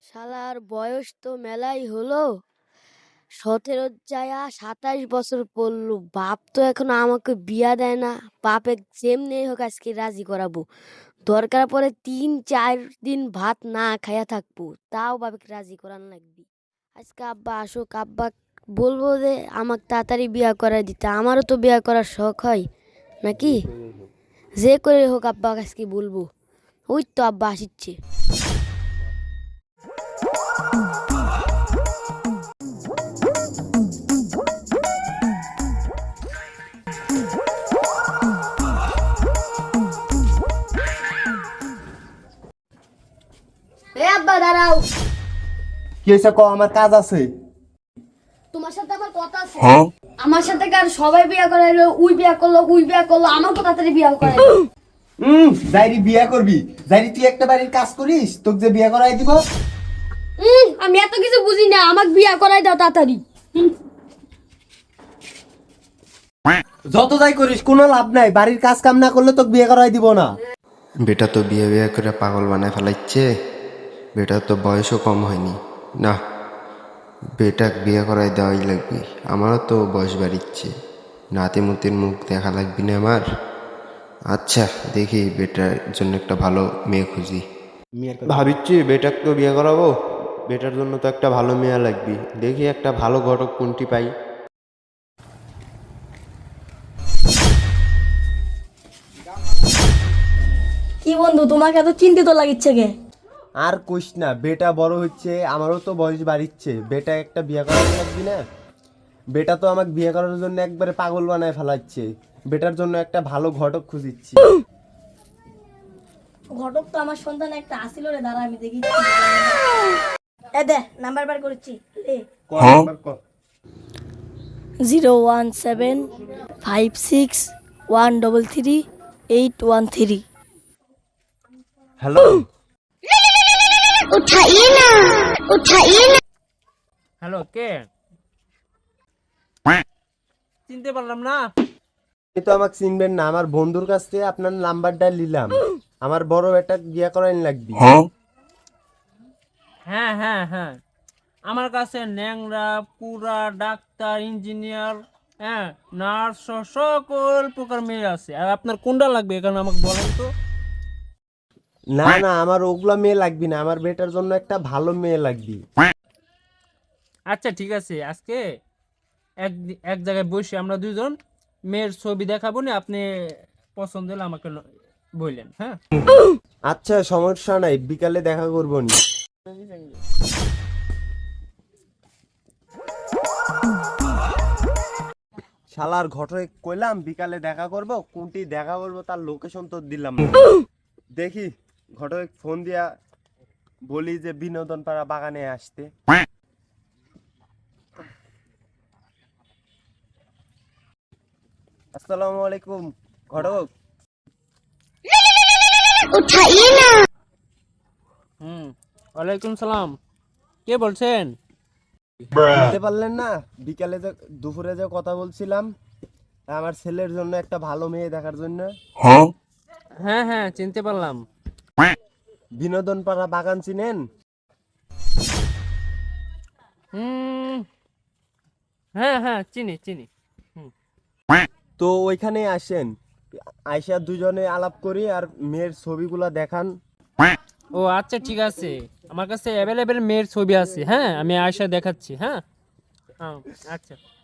শালার বয়স তো মেলাই হলো, 17 যায়া 27 বছর পড়লো। বাপ তো এখনো আমাকে বিয়া দেয় না। বাপে যেমনি হোক আজকে রাজি করাবো, দরকার পড়ে 3-4 দিন ভাত না খাইয়া থাকবো, তাও বাবাকে রাজি করান লাগবে। আজকে আব্বা আসুক, আব্বা বলবো যে আমাকে তাড়াতাড়ি বিয়া করাই দিতে, আমারও তো বিয়া করার শখ হয় নাকি। যে করে হোক আব্বা আজকে বলবো। ওই তো আব্বা আসিচ্ছে। এ আব্বা দাঁড়াও। কি হয়েছে ক, আমার কাজ আছে। তোমার সাথে আমার কথা আছে। আমার সাথে কার সবাই বিয়া করাইলো, উই বিয়া করলো, উই বিয়া করলো, আমাকে তাড়াতাড়ি বিয়া করাইলো। যাইরি বিয়া করবি, যাইরি তুই একটা বাড়ির কাজ করিস, তোকে যে বিয়া করাই দিব। আমি এত কিছু বুঝি না, আমাকে বিয়া করাই দাও তাড়াতাড়ি। যত যাই করিস কোনো লাভ নাই, বাড়ির কাজ কাম না করলে তোকে বিয়ে করাই দিব না। বেটা তো বিয়ে বিয়ে করে পাগল বানায় ফেলাইছে। বেটা তো বয়সও কম হয়নি না, বেটাক বিয়ে করাই দেওয়াই লাগবে। আমারও তো বয়স বাড়িচ্ছে, নাতিমতির মুখ দেখা লাগবে না আমার। আচ্ছা দেখি বেটার জন্য একটা ভালো মেয়ে খুঁজি। ভাবিচ্ছি বেটাক তো বিয়ে করাবো, বেটার জন্য তো একটা ভালো মেয়ে লাগবে। দেখি একটা ভালো ঘটক কোনটি পাই। কি বন্ধু, তোমাকে এত চিন্তিত লাগিচ্ছে কে? আর কইস না, বেটা বড় হচ্ছে, আমারও তো বয়স বাড়িচ্ছে, বেটা একটা বিয়ে করাতে লাগবি না। বেটা তো আমাকে বিয়ে করার জন্য একবারে পাগল বানায় ফেলাচ্ছে। বেটার জন্য একটা ভালো ঘটক খুঁজিচ্ছি। ঘটক তো আমার সন্তান একটা আসিল রে, দাঁড়া আমি দেখি। এ দে নাম্বার বার করেছি। 01756133813। হ্যালো, হ্যালো, কে? চিনতে পারলাম না। আপনি তো আমাকে চিনবেন না, আমার বন্ধুর কাছ থেকে আপনার নাম্বারটা নিলাম। আমার বড় বেটা বিয়ে করাইন লাগবে। হ্যাঁ হ্যাঁ হ্যাঁ, আমার কাছে ন্যাংরা পুরা ডাক্তার ইঞ্জিনিয়ার, হ্যাঁ নার্স সহ সকল প্রকার মেয়ে আছে। আর আপনার কোনটা লাগবে এখানে আমাকে বলেন তো। না না, আমার ওগুলা মেয়ে লাগবে না, আমার বেটার জন্য একটা ভালো মেয়ে লাগবে। আচ্ছা ঠিক আছে, আজকে এক এক জায়গায় বসে আমরা দুজন মেয়ের ছবি দেখাবো না, আপনি পছন্দ হলে আমাকে বললেন। হ্যাঁ আচ্ছা সমস্যা নাই, বিকালে দেখা করবো নি। শালার ঘটে কইলাম বিকালে দেখা করব, কোনটি দেখা করব তার লোকেশন তো দিলাম না। দেখি ঘটক ফোন দিয়া বলি যে বিনোদন পাড়া বাগানে আসতে। আসসালামু আলাইকুম ঘটক। ওয়ালাইকুম সালাম, কে বলছেন? বুঝতে পারলেন না, বিকালে যে দুপুরে যে কথা বলছিলাম, আমার ছেলের জন্য একটা ভালো মেয়ে দেখার জন্য। হ্যাঁ হ্যাঁ চিনতে পারলাম। বিনোদন পাড়া বাগান চিনেন? হ্যাঁ হ্যাঁ চিনি চিনি। তো ওইখানে আসেন, আইসা দুজনে আলাপ করি আর মেয়ের ছবিগুলা দেখান। ও আচ্ছা ঠিক আছে, আমার কাছে অ্যাভেলেবেল মেয়ের ছবি আছে। হ্যাঁ আমি আয়সা দেখাচ্ছি। হ্যাঁ হ্যাঁ আচ্ছা।